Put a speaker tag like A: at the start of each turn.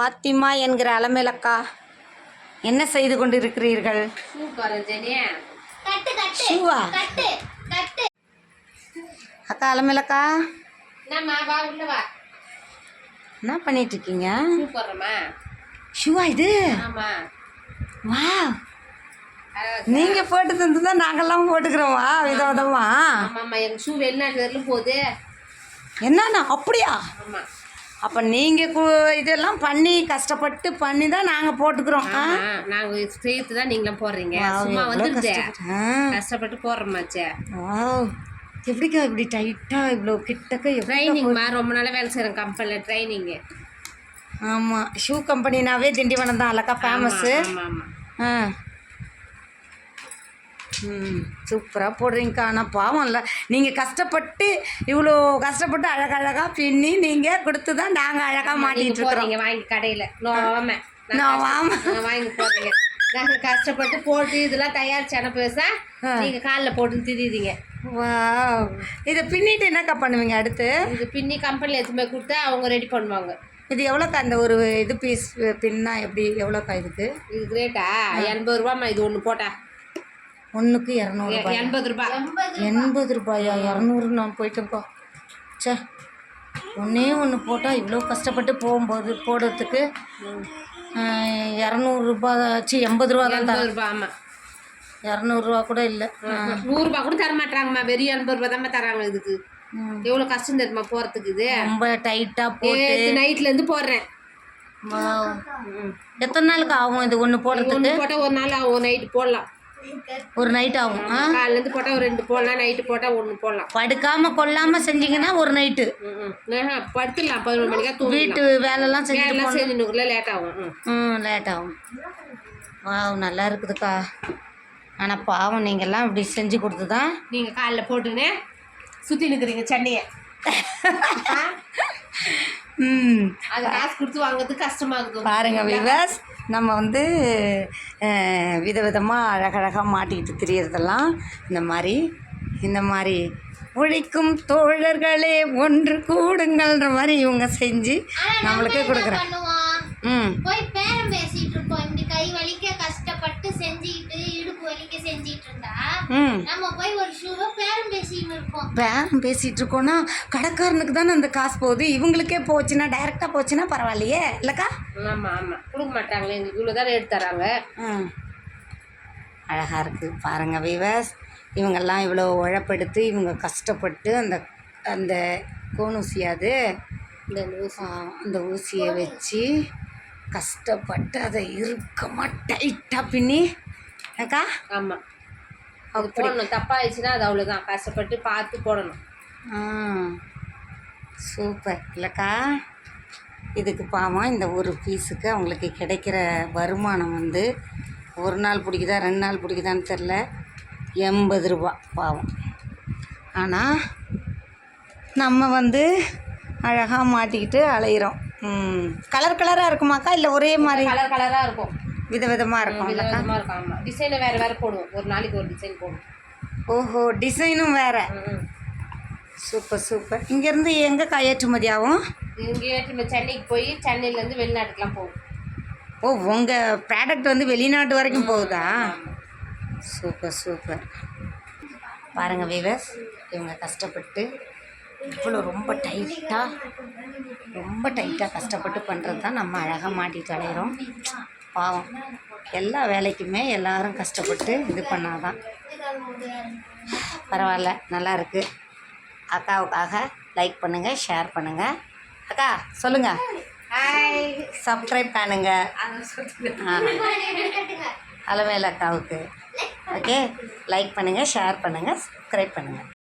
A: பாத்திமா என்கிற அலமேலக்கா, என்ன செய்து கொண்டிருக்கிறீர்கள்? ஷூவா? அக்கா அலமேலக்கா, என்ன பண்ணிட்டு இருக்கீங்க? ஷூவா இது? வா, நீங்க போட்டு தந்துதான் நாங்கெல்லாம் போட்டுக்கிறோமா விதவிதமா?
B: எங்க ஷூ வெளிநாட்டு வரலும் போகுது.
A: என்னண்ணா அப்படியா? அப்போ நீங்கள் இதெல்லாம் பண்ணி கஷ்டப்பட்டு பண்ணி தான் நாங்கள் போட்டுக்கிறோம்.
B: நாங்கள் செய்யறது தான் நீங்களும் போடுறீங்க. சும்மா வந்துருது, கஷ்டப்பட்டு போடுறோமாச்சே.
A: எப்படிக்கா இப்படி டைட்டாக இவ்வளோ கிட்டக்க?
B: ட்ரைனிங்மா, ரொம்ப நாளாக வேலை செய்கிறேன் கம்பெனியில் ட்ரைனிங்கு.
A: ஆமாம், ஷூ கம்பெனினாவே திண்டிவனம் தான் அல்லக்கா ஃபேமஸ்ஸு. சூப்பராக போடுறீங்கக்கா. ஆனால் பாவம் இல்லை, நீங்கள் கஷ்டப்பட்டு இவ்வளோ கஷ்டப்பட்டு அழகழகாக பின்னி நீங்கள் கொடுத்து தான் நாங்கள் அழகாக மாட்டிகிட்டு இருக்கிறோம்.
B: வாங்கி கடையில் வாங்கி போடுறீங்க. நாங்கள் கஷ்டப்பட்டு போட்டு இதெல்லாம் தயாரிச்சு அனுப்புவேசா, நீங்கள் காலில் போட்டு திரியுறீங்க.
A: வா, இதை பின்னிட்டு என்னக்கா பண்ணுவீங்க அடுத்து?
B: இது பின்னி கம்பெனியில் எடுத்துமே கொடுத்தா அவங்க ரெடி பண்ணுவாங்க.
A: இது எவ்வளோக்கா? அந்த ஒரு இது பீஸ் பின்னா எப்படி எவ்வளோக்கா இதுக்கு?
B: இதுக்கு ரேட்டா 80 ரூபாம்மா. இது ஒன்று போட்டா
A: ஒன்றுக்கு 200.
B: 80 ரூபாய்.
A: 80 ரூபாயா? 200 நான் போயிட்டேன்ப்பா. சே, ஒன்றே ஒன்று போட்டால் இவ்வளோ கஷ்டப்பட்டு போகும்போது போடுறதுக்கு 200 ரூபா ஆச்சு. 80 ரூபா தான்.
B: 80 ரூபா. ஆமாம்,
A: 200 ரூபா கூட இல்லை.
B: 100 ரூபா கூட தர மாட்டாங்கம்மா. வெறும் 80 ரூபா தான் தராங்க. இதுக்கு எவ்வளோ கஷ்டம் தெரியுமா போகிறதுக்கு? இது
A: ரொம்ப டைட்டாக போட்டு
B: நைட்லேருந்து போடுறேன்.
A: எத்தனை நாளுக்கு ஆகும் இது ஒன்று போடுறதுக்கு?
B: போட்டால் ஒரு நாள் ஆகும். நைட்டு போடலாம்,
A: ஒரு நைட் ஆகும்.
B: காலையிலேருந்து போட்டால் ஒரு 2 போடலாம், நைட்டு போட்டால் 1 போடலாம்.
A: படுக்காமல் கொள்ளாமல் செஞ்சிங்கன்னா ஒரு நைட்டு
B: படுத்துடலாம். 11 மணிக்கா தூங்கி
A: வீட்டு வேலைலாம்
B: செஞ்சுனுக்குள்ள லேட் ஆகும்.
A: லேட் ஆகும். நல்லா இருக்குதுக்கா. ஆனால் பாவம் நீங்கள்லாம் இப்படி செஞ்சு கொடுத்து தான்
B: நீங்கள் காலைல போட்டுன்னு சுற்றி நிற்கிறீங்க சென்னையை. அது காசு கொடுத்து வாங்குறதுக்கு கஷ்டமாகுது.
A: பாருங்கள் விவாஸ், நம்ம வந்து விதவிதமாக அழகழகாக மாட்டிக்கிட்டு திரியறதெல்லாம் இந்த மாதிரி உழைக்கும் தோழர்களே ஒன்று கூடுங்கள்ன்ற மாதிரி இவங்க செஞ்சு நம்மளுக்கே கொடுக்குறேன்.
C: போய் பேரம் பேசிட்டு இருப்போம். இப்படி கை வலிக்க கஷ்டப்பட்டு செஞ்சுக்கிட்டு இடுப்பு வலிக்க செஞ்சிட்டு இருந்தா நம்ம போய் ஒரு ஷூவை பேரம் பேசிட்டு இருப்போம்.
A: பேரம் பேசிட்டு இருக்கோம்னா கடைக்காரனுக்கு தானே அந்த காசு போகுது. இவங்களுக்கே போச்சுன்னா, டைரெக்டாக போச்சுன்னா பரவாயில்லையே இல்லைக்கா?
B: ஆமாம் ஆமாம், கொடுக்க மாட்டாங்களே. எங்களுக்கு இவ்வளோ தானே எடுத்து தராங்க.
A: அழகாக இருக்குது பாருங்கள் வீவர்ஸ். இவங்கெல்லாம் இவ்வளோ உழைப்பெடுத்து இவங்க கஷ்டப்பட்டு அந்த கோணூசியாது அந்த ஊசியை வச்சு கஷ்டப்பட்டு அதை இறுக்கமாக டைட்டாக பின்னி அக்கா.
B: ஆமாம், அது போடணும். தப்பாகிடுச்சுன்னா அது அவ்வளோதான். கஷ்டப்பட்டு பார்த்து போடணும்.
A: சூப்பர் இல்லைக்கா? இதுக்கு பாவம் இந்த ஒரு பீஸுக்கு அவங்களுக்கு கிடைக்கிற வருமானம் வந்து ஒரு நாள் பிடிக்குதா 2 நாள் பிடிக்குதான்னு தெரில, 80 ரூபா பாவம். ஆனால் நம்ம வந்து அழகாக மாட்டிக்கிட்டு அலையிறோம். கலர் கலராக இருக்குமாக்கா? இல்லை ஒரே மாதிரி
B: கலர் கலராக இருக்கும்,
A: விதவிதமாக இருக்கும்.
B: விதவிதமாக இருக்கும். ஆமாம், டிசைனை வேறு போடுவோம். ஒரு நாளைக்கு ஒரு டிசைன் போடுவோம்.
A: ஓஹோ, டிசைனும் வேறு. Super super. இங்கேருந்து எங்கே ஏற்றுமதி ஆகும்?
B: இங்கே ஏற்றுமதி சென்னைக்கு போய் சென்னையிலேருந்து வெளிநாட்டுக்கெலாம் போகும்.
A: ஓ, உங்கள் ப்ராடக்ட் வந்து வெளிநாட்டு வரைக்கும் போகுதா? Super super. பாருங்கள் வீவர்ஸ், இவங்க கஷ்டப்பட்டு இவ்வளோ ரொம்ப டைட்டாக கஷ்டப்பட்டு பண்ணுறது தான் நம்ம அழகாக மாட்டிட்டு அலையிறோம். பாவம், எல்லா வேலைக்குமே எல்லோரும் கஷ்டப்பட்டு இது பண்ணாதான். பரவாயில்ல, நல்லா இருக்குது. அக்காவுக்காக லைக் பண்ணுங்கள், ஷேர் பண்ணுங்கள். அக்கா சொல்லுங்கள். சப்ஸ்கிரைப் பண்ணுங்கள் அலமேலு அக்காவுக்கு. ஓகே, லைக் பண்ணுங்கள், ஷேர் பண்ணுங்கள், சப்ஸ்கிரைப் பண்ணுங்கள்.